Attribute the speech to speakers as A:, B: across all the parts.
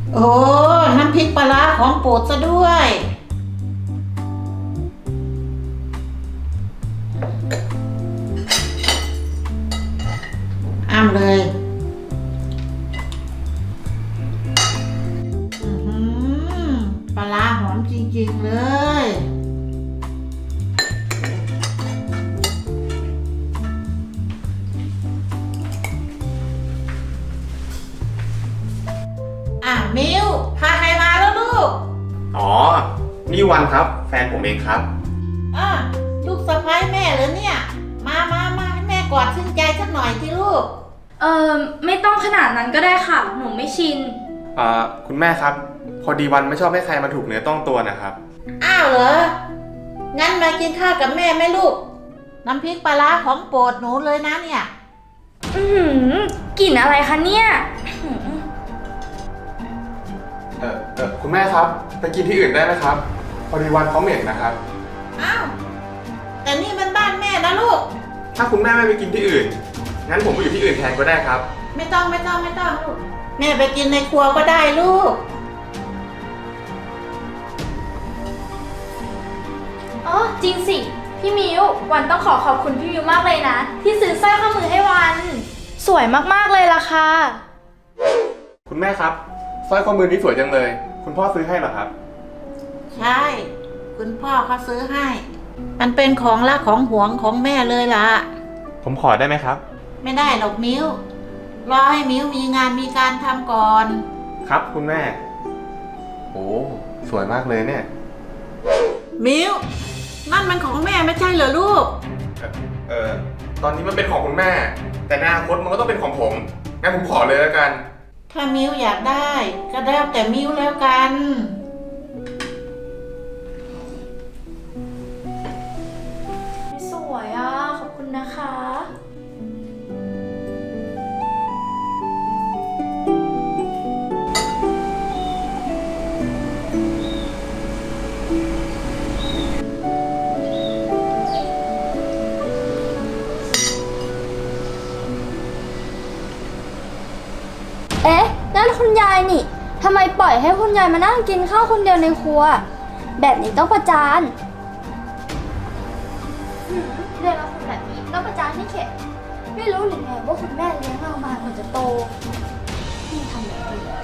A: โอ้น้ำพริกปลาร้าของโปรดซะด้วยอ้ำเลยปลาร้าหอมจริงๆเลยมิวพาใครมาแล้วลูก
B: อ๋อนี่วันครับแฟนผมเองครับ
A: ลูกสะใภ้แม่เหรอเนี่ยมาให้แม่กอดชื่นใจสักหน่อยที่ลูก
C: ไม่ต้องขนาดนั้นก็ได้ค่ะหนูไม่ชิน
B: คุณแม่ครับพอดีวันไม่ชอบให้ใครมาถูกเนื้อต้องตัวนะครับ
A: อ้าวเหรองั้นมากินข้าวกับแม่ไหมลูกน้ำพริกปลาร้าของโปรดหนูเลยนะเนี่ย
C: กลิ่นอะไรคะเนี่ย
B: คุณแม่ครับไปกินที่อื่นได้ไหมครับพอดีวันเขาเหม็นนะครับ
A: อ้าวแต่นี่มันบ้านแม่นะลูก
B: ถ้าคุณแม่ไม่ไปกินที่อื่นงั้นผมไปอยู่ที่อื่นแทนก็ได้ครับ
A: ไม่ต้องลูกแม่ไปกินในครัวก็ได้ลูก
C: อ๋อจริงสิพี่มิววันต้องขอบคุณพี่มิวมากเลยนะที่ซื้อสร้อยข้อมือให้วันสวยมากๆเลยล่ะค่ะ
B: คุณแม่ครับสร้อยข้อมือนี้สวยจังเลยคุณพ่อซื้อให้เหรอครับ
A: ใช่คุณพ่อเขาซื้อให้มันเป็นของรักของหวงของแม่เลยล่ะ
B: ผมขอได้ไหมครับ
A: ไม่ได้หรอกมิ้วรอให้มิ้วมีงานมีการทำก่อน
B: ครับคุณแม่โอ้สวยมากเลยเนี่ย
A: มิ้วนั่นมันของแม่ไม่ใช่เหรอลูก
B: ตอนนี้มันเป็นของคุณแม่แต่ในอนาคตมันก็ต้องเป็นของผมงั้นผมขอเลยแล้วกัน
A: ถ้ามิ้วอยากได้ก็แล้วแต่มิ้วแล้วกัน
C: สวยอ่ะขอบคุณนะคะเอ๊ะนั่นคุณยายนี่ทำไมปล่อยให้คุณยายมานั่งกินข้าวคนเดียวในครัวแบบนี้ต้องประจานเรียกเราคนแบบนี้ต้องประจานให้เข็ดไม่รู้หรือไงว่าคุณแม่เลี้ยงเรามาก่อนจะโตที่ทำแบบนี้ได้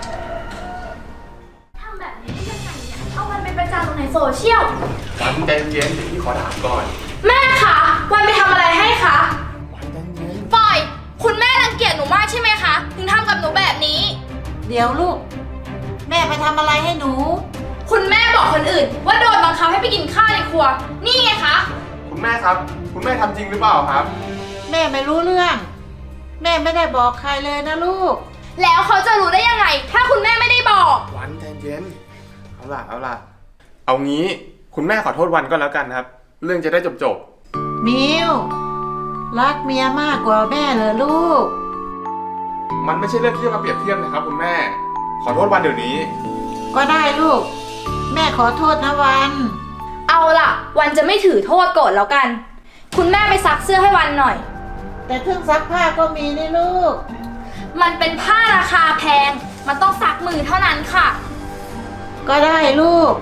C: ยังไงเนี่ยเอามันไปประจานลงในโซเชียล
B: วันใจเย็นๆพี่ขอถามก่อน
C: แม่คะวันไปทำอะไรให้คะ
B: วันใจเย็น
C: ปล่อยคุณแม่รังเกียจหนูมากใช่ไหมคะถึงทำกับหนูแบบนี้
A: เดี๋ยวลูกแม่ไปทำอะไรให้หนู
C: คุณแม่บอกคนอื่นว่าโดนบังคับให้ไปกินข้าวในครัวนี่ไงคะ
B: คุณแม่ครับคุณแม่ทำจริงหรือเปล่าครับ
A: แม่ไม่รู้เรื่องแม่ไม่ได้บอกใครเลยนะลูก
C: แล้วเขาจะรู้ได้ยังไงถ้าคุณแม่ไม่ได้บอก
B: วันใจเย็นเอาล่ะเอางี้คุณแม่ขอโทษวันก็แล้วกันครับเรื่องจะได้จบ
A: มิวรักเมียมากกว่าแม่เหรอลูก
B: มันไม่ใช่เรื่องที่จะมาเปรียบเทียบนะครับคุณแม่ขอโทษวันเดี๋ยวนี้
A: ก็ได้ลูกแม่ขอโทษนะวัน
C: เอาล่ะวันจะไม่ถือโทษโกรธแล้วกันคุณแม่ไปซักเสื้อให้วันหน่อย
A: แต่เครื่องซักผ้าก็มีนี่ลูก
C: มันเป็นผ้าราคาแพงมันต้องซักมือเท่านั้นค่ะ
A: ก็ได้ลูก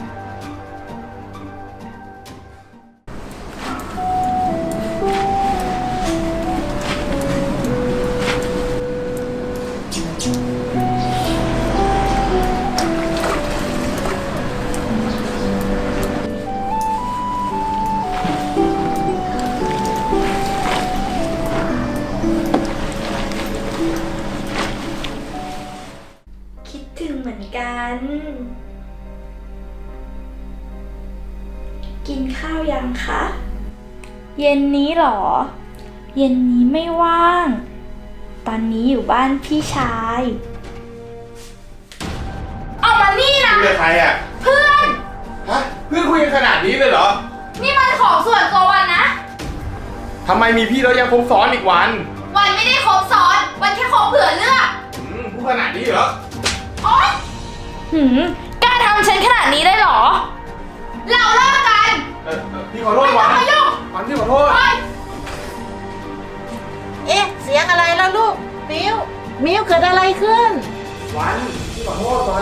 C: เหมือนกันกินข้าวยังคะเย็นนี้หรอเย็นนี้ไม่ว่างตอนนี้อยู่บ้านพี่ชายเอามานี่นะ
B: คุยกับใครอ่ะ
C: เพื่อน
B: ฮะเพื่อนคุยกันขนาดนี้เลยเหรอ
C: นี่มันของส่วนตัววันนะ
B: ทำไมมีพี่แล้วยังคบซ้อนอีกวัน
C: ไม่ได้คบซ้อนวันแค่คบเผื่อเลือก
B: พูดขนาดนี้เหรอ
C: โอ๊ยกล้าทำฉันขนาดนี้ได้หรอเราเลิกกัน
B: พี่ขอโทษวันวันพี่ขอโทษ
A: เอ๊ะเสียงอะไรแล้วลูกมิวเกิดอะไรขึ้น
B: วันพี่ขอโทษวัน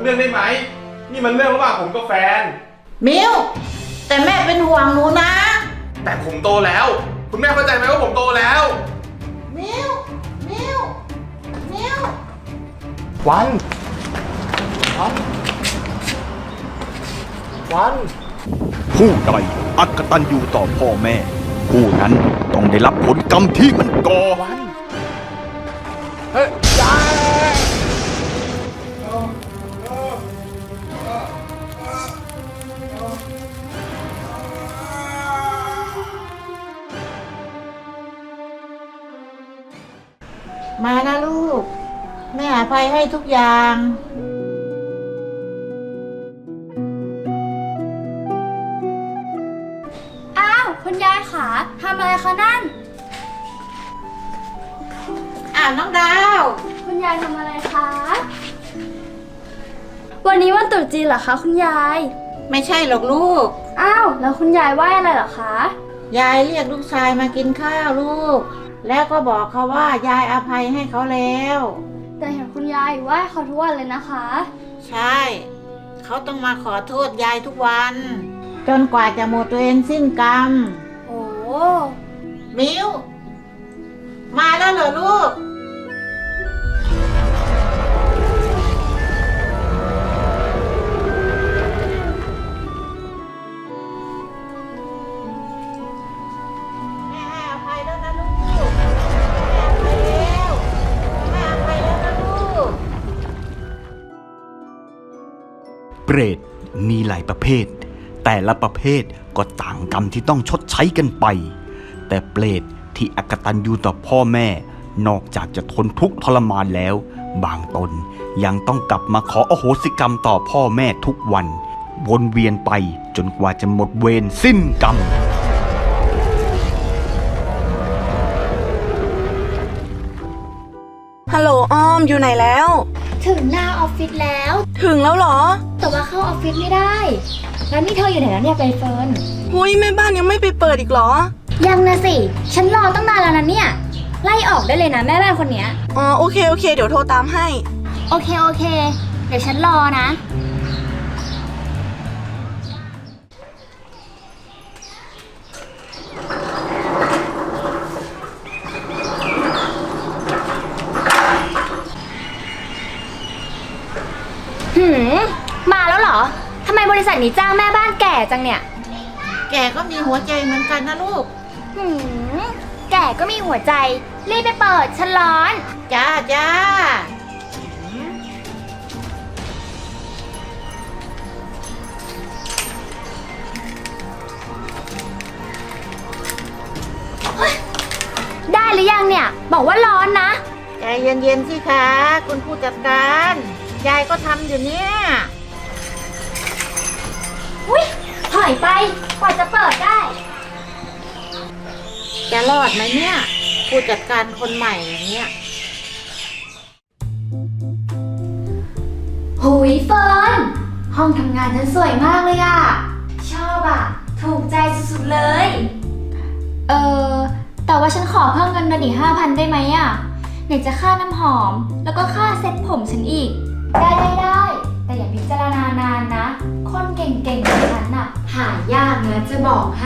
B: เรื่องได้ไหม นี่มันเรื่องระหว่างผมกับแฟน
A: มิวแต่แม่เป็นห่วงหนูนะ
B: แต่ผมโตแล้ว คุณแม่เข้าใจไหมว่าผมโตแล้ว
A: มิวมิวมิว
B: วันวัน
D: ผู้ใดอักตันอยู่ต่อพ่อแม่ ผู้นั้นต้องได้รับผลกรรมที่มันก่อ
B: วันเฮ้ยยาย
A: มานะลูก แม่อภัยให้ทุกอย่าง
C: อ้าว คุณยายขาทำอะไรคะนั่น
A: น้องดาว
C: คุณยายทำอะไรคะ วันนี้วันตรุษจีนเหรอคะคุณยาย
A: ไม่ใช่หรอกลูก
C: อ้าว แล้วคุณยายไหว้อะไรเหรอคะ
A: ยายเรียกลูกชายมากินข้าวลูก แล้วก็บอกเขาว่ายายอภัยให้เขาแล้ว
C: แต่เห็นคุณยายไหว้เขาทุกวันเลยนะคะ
A: ใช่ เขาต้องมาขอโทษยายทุกวัน จนกว่าจะหมดเวรสิ้นกรรม
C: โอ้
A: มิวมาแล้วเหรอลูก แม่ให้อภัยแล้วนะลูก แม่อภัยแล้ว แม่อภัยแล้วนะลูก
D: เปรตมีหลายประเภท แต่ละประเภทก็ต่างกรรมที่ต้องชดใช้กันไป แต่เปรตที่อกตัญญูต่อพ่อแม่ นอกจากจะทนทุกข์ทรมานแล้ว บางตนยังต้องกลับมาขออโหสิกรรมต่อพ่อแม่ทุกวัน วนเวียนไปจนกว่าจะหมดเวรสิ้นกรรม
E: ฮัลโหลอ้อมอยู่ไหนแล้ว
C: ถึงหน้าออฟฟิศแล้ว
E: ถึงแล้วเหรอ
C: แต่ว่าเข้าออฟฟิศไม่ได้ แล้วนี่เธออยู่ไหนแล้วเนี่ยใบเฟิร์น
E: หุยแม่บ้านยังไม่ไปเปิดอีกเหรอ
C: ยังนะสิ ฉันรอตั้งนานแล้วนะเนี่ย ไล่ออกได้เลยนะแม่บ้านคนเนี้ย
E: อ๋อโอเคโอเคเดี๋ยวโทรตามให้
C: โอเค โอเค เดี๋ยวฉันรอนะ มาแล้วเหรอ ทำไมบริษัทนี้จ้างแม่บ้านแก่จังเนี่ย
A: แกก็มีหัวใจเหมือนกันนะลูก
C: แก่ก็มีหัวใจ รีบไปเปิด ฉันร้อน
A: จ้าจ้า
C: ได้หรือยังเนี่ย บอกว่าร้อนนะ
A: ใจเย็นๆสิคะคุณผู้จัดการ ยายก็ทำอยู่เนี่ย
C: อุ้ยถอยไป กว่าจะเปิดได้
A: จะรอดไหมเนี่ย ผู้จัดการคนใหม่อย่างเงี้ย
C: หุยเฟิร์น ห้องทำงานฉันสวยมากเลยอะชอบอะถูกใจสุดๆเลย แต่ว่าฉันขอเพิ่มเงินเดือนอีก5,000ได้ไหมอะไหนจะค่าน้ำหอม แล้วก็ค่าเซ็ตผมฉันอีก ได้ แต่อย่าพิจารณานานนะ คนเก่งๆแบบฉันน่ะ หายากนะจะบอกให้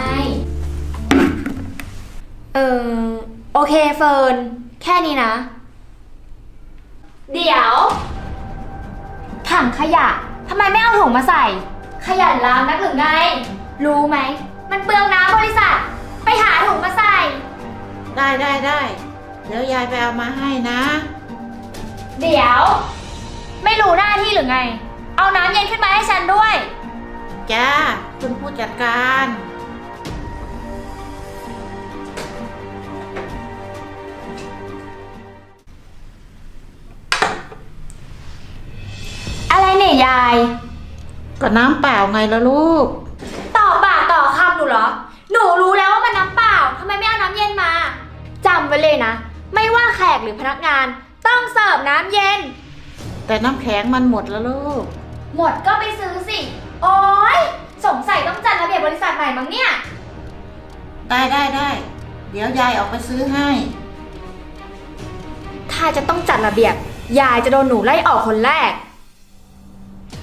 C: โอเคเฟิร์น แค่นี้นะ เดี๋ยว ถังขยะ ทำไมไม่เอาถุงมาใส่ ขยันล้างนักหรือไง รู้ไหม มันเปลืองน้ำบริษัท ไปหาถุงมาใส่
A: ได้ เดี๋ยวยายไปเอามาให้นะ
C: เดี๋ยว ไม่รู้หน้าที่หรือไง เอาน้ำเย็นขึ้นมาให้ฉันด้วย
A: จ้า คุณผู้จัดการ
C: อะไรเนี่ยยาย
A: ก็น้ำเปล่าไงละลูก
C: ต่อปากต่อคำหนูเหรอ หนูรู้แล้วว่ามันน้ำเปล่า ทำไมไม่เอาน้ำเย็นมาจำไว้เลยนะ ไม่ว่าแขกหรือพนักงาน ต้องเสิร์ฟน้ำเย็น
A: แต่น้ำแข็งมันหมดแล้วลูก
C: หมดก็ไปซื้อสิ โอ๊ย สงสัยต้องจัดระเบียบบริษัทใหม่มั้งเนี่ย
A: ได้ เดี๋ยวยายออกไปซื้อให้
C: ถ้าจะต้องจัดระเบียบ ยายจะโดนหนูไล่ออกคนแรก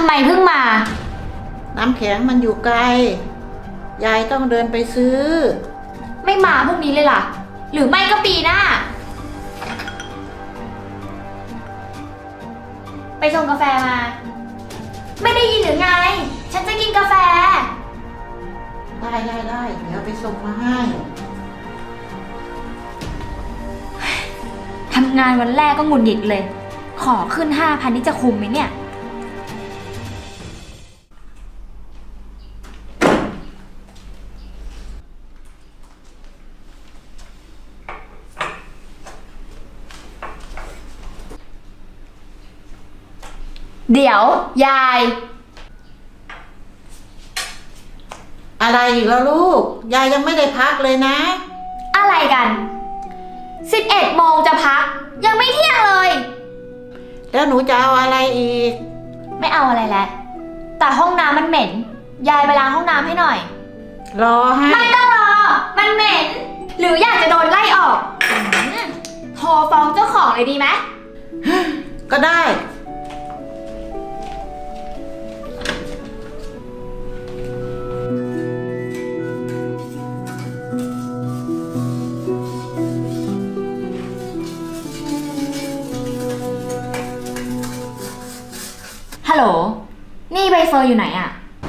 C: ไมเพิ่งมา
A: น้ำแข็งมันอยู่ไกล ยายต้องเดินไปซื้อ
C: ไม่มาพรุ่งนี้เลยล่ะ หรือไม่ก็ปีหน้า ไปชงกาแฟมา ไม่ได้ยินหรือไง ฉันจะกินกาแฟ
A: ได้เดี๋ยวไปส่งมาให้
C: ทำงานวันแรกก็หงุดหงิดเลย ขอขึ้น 5,000 นี่จะคุ้มไหมเนี่ย เดี๋ยว ยาย
A: อะไรอีกแล้วลูก ยายยังไม่ได้พักเลยนะ
C: อะไรกัน 11 โมงจะพัก ยังไม่เที่ยงเลย
A: แล้วหนูจะเอาอะไรอีก
C: ไม่เอาอะไรแล้ว แต่ห้องน้ำมันเหม็น ยายไปล้างห้องน้ำให้หน่อย
A: รอให้
C: ไม่ต้องรอ มันเหม็น หรืออยากจะโดนไล่ออกโทรฟ้องเจ้าของเลยดีไหม
A: ก็ได้
C: ฮัลโหล นี่ใบเฟิร์นอยู่ไหนอะ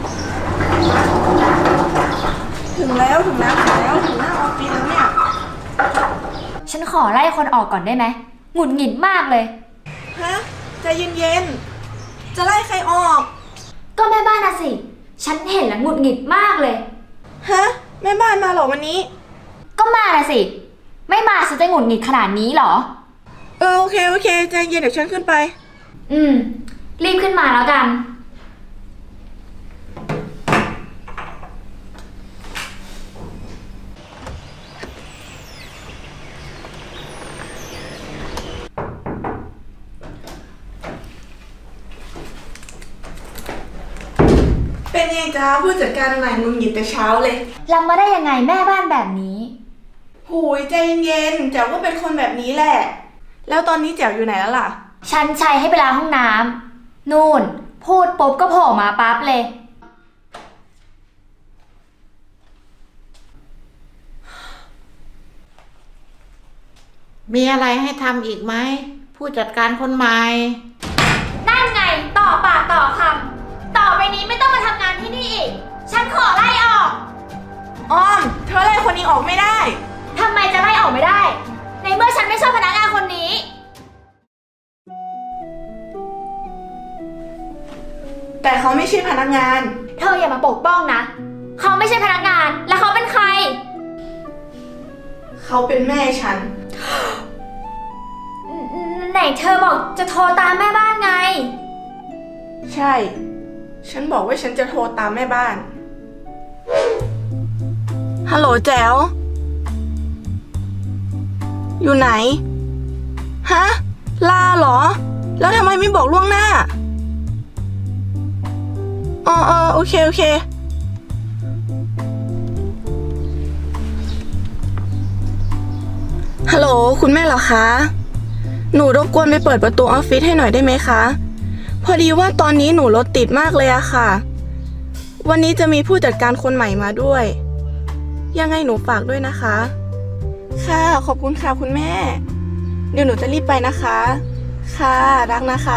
E: ถึงแล้วถึงหน้าออฟฟิศแล้วเนี่ย
C: ฉันขอไล่คนออกก่อนได้ไหมหงุดหงิดมากเลย
E: ฮะ ใจเย็นๆ จะไล่ใครออก
C: ก็แม่บ้านน่ะสิ ฉันเห็นแล้วหงุดหงิดมากเลย
E: ฮะ แม่บ้านมาเหรอวันนี้
C: ก็มาน่ะสิ ไม่มาฉันจะหงุดหงิดขนาดนี้เหรอ
E: โอเค ใจเย็นเดี๋ยวฉันขึ้นไป
C: รีบขึ้นมาแล้วกัน
E: เป็นไงจ้าผู้จัดการใหม่มึงหยิบแต่เช้าเลย
C: ลำมาได้ยังไงแม่บ้านแบบนี้
E: หูยใจเย็นๆแจ๋วก็เป็นคนแบบนี้แหละ แล้วตอนนี้แจ๋วอยู่ไหนแล้วล่ะ
C: ฉันใช้ให้ไปล้างห้องน้ำนู่น พูดปุ๊บก็โผล่มาปั๊บเลย
A: มีอะไรให้ทำอีกไหม ผู้จัดการคนใหม่
C: นั่นไงต่อปากต่อคำต่อไปนี้ไม่ต้องมาทำงานที่นี่อีก ฉันขอไล่ออก
E: อ้อม เธอไล่คนนี้ออกไม่ได้
C: ทำไมจะไล่ออกไม่ได้ ในเมื่อฉันไม่ชอบพนักงานคนนี้
E: แต่เขาไม่ใช่พนักงาน
C: เธออย่ามาปกป้องนะ เขาไม่ใช่พนักงาน แล้วเขาเป็นใคร
E: เขาเป็นแม่ฉัน
C: ไหนเธอบอกจะโทรตามแม่บ้านไง
E: ใช่ ฉันบอกว่าฉันจะโทรตามแม่บ้าน ฮัลโหลแจ๋ว อยู่ไหน ฮะ ลาเหรอ แล้วทำไมไม่บอกล่วงหน้า โอเค ฮัลโหลคุณแม่เหรอคะ หนูรบกวนไปเปิดประตูออฟฟิศให้หน่อยได้ไหมคะ พอดีว่าตอนนี้หนูรถติดมากเลยอะค่ะ วันนี้จะมีผู้จัดการคนใหม่มาด้วย ยังไงหนูฝากด้วยนะคะ ค่ะขอบคุณค่ะคุณแม่ เดี๋ยวหนูจะรีบไปนะคะ ค่ะรักนะคะ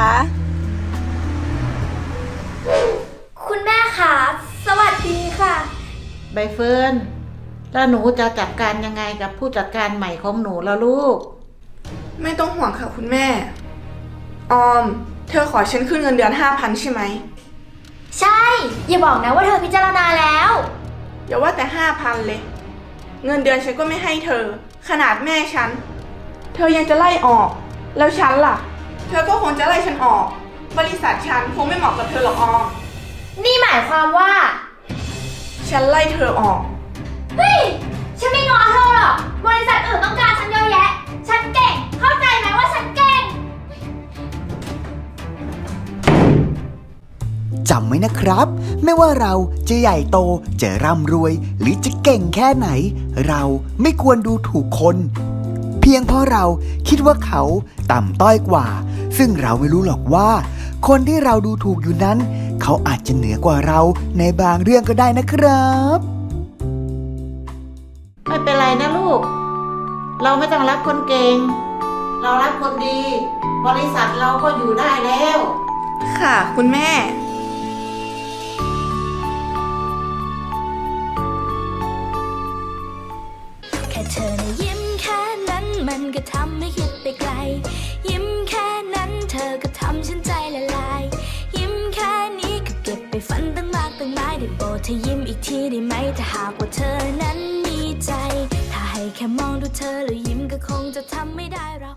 C: คุณแม่คะสวัสดีค่ะ
A: ใบเฟิร์น แล้วหนูจะจัดการยังไงกับผู้จัดการใหม่ของหนูแล้วลูก
E: ไม่ต้องห่วงค่ะคุณแม่ ออม เธอขอฉันขึ้นเงินเดือน 5,000 ใช่ไหม
C: ใช่ อย่าบอกนะว่าเธอพิจารณาแล้ว
E: อย่าว่าแต่ 5,000 เลย เงินเดือนฉันก็ไม่ให้เธอ ขนาดแม่ฉัน เธอยังจะไล่ออก แล้วฉันล่ะ เธอก็คงจะไล่ฉันออก บริษัทฉันคงไม่เหมาะกับเธอหรอกออม
C: นี่หมายความว่า
E: ฉันไล่เธอออก
C: เฮ้ย ฉันไม่ง้อเธอหรอก บริษัทอื่นต้องการฉันเยอะแยะ ฉันเก่ง เข้าใจไหมว่าฉันเก่ง
F: จำไว้นะครับ ไม่ว่าเราจะใหญ่โตจะร่ำรวย หรือจะเก่งแค่ไหน เราไม่ควรดูถูกคน เพียงเพราะเราคิดว่าเขาต่ำต้อยกว่า ซึ่งเราไม่รู้หรอกว่า คนที่เราดูถูกอยู่นั้นเขาอาจจะเหนือกว่าเราในบางเรื่องก็ได้นะครับ
A: ไม่เป็นไรนะลูก เราไม่ต้องรับคนเก่ง เรารับคนดี บริษัทเราก็อยู่ได้แล้ว
E: ค่ะคุณแม่
G: แค่เธอนะยิ้มแค่นั้นมันก็ทำให้คิดไปไกล ยิ้มแค่นั้นเธอก็ทำฉันใจละลาย ยิ้มแค่นี้ก็เก็บไปฝันตั้งมากตั้งหลายได้โปรดเธอยิ้มอีกทีได้ไหมถ้าหากว่าเธอนั้นมีใจ ถ้าให้แค่มองดูเธอแล้วยิ้มก็คงจะทำไม่ได้เรา